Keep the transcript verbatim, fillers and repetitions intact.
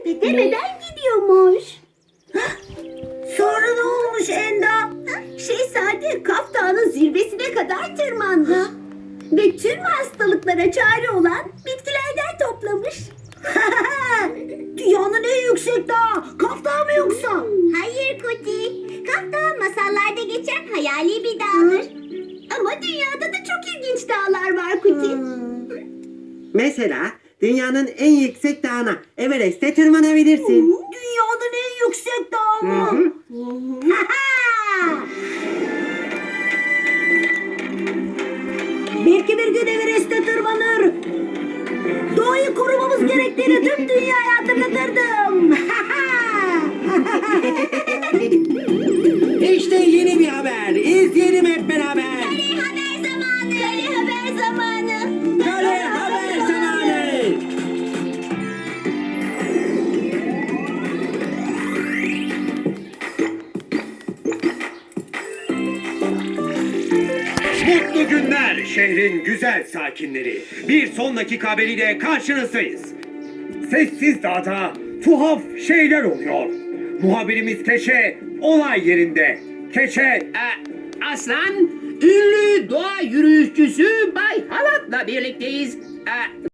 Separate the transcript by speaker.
Speaker 1: demeden gidiyormuş.
Speaker 2: Sonra ne olmuş Enda?
Speaker 1: Şehzade Kaf Dağı'nın zirvesine kadar tırmandı. Ve tüm hastalıklara çare olan bitkilerden toplamış.
Speaker 2: Dünyanın en yüksek dağı. Kaf Dağı mı yoksa?
Speaker 1: Hayır Kuti. Kaf Dağı masallarda geçen hayali bir dağdır. Ama dünyada da çok ilginç dağlar var Kuti.
Speaker 3: Mesela dünyanın en yüksek dağına, Everest'e tırmanabilirsin.
Speaker 2: Dünyanın en yüksek dağı mı?
Speaker 3: Hı hı.
Speaker 2: Belki bir gün Everest'e tırmanır. Doğayı korumamız gerektiğini tüm dünyaya hatırlatırdım.
Speaker 3: İşte yeni bir haber. İzleyelim hep beraber.
Speaker 1: Kale haber zamanı. Kale haber zamanı.
Speaker 3: Kale haber zamanı.
Speaker 4: Mutlu günler şehrin güzel sakinleri. Bir sonraki haberiyle karşınızdayız. Sessiz Dağ'da tuhaf şeyler oluyor. Muhabirimiz Keşe olay yerinde. Keşe
Speaker 5: Ee, Aslan, ünlü doğa yürüyüşçüsü Bay Halat'la birlikteyiz. Ee,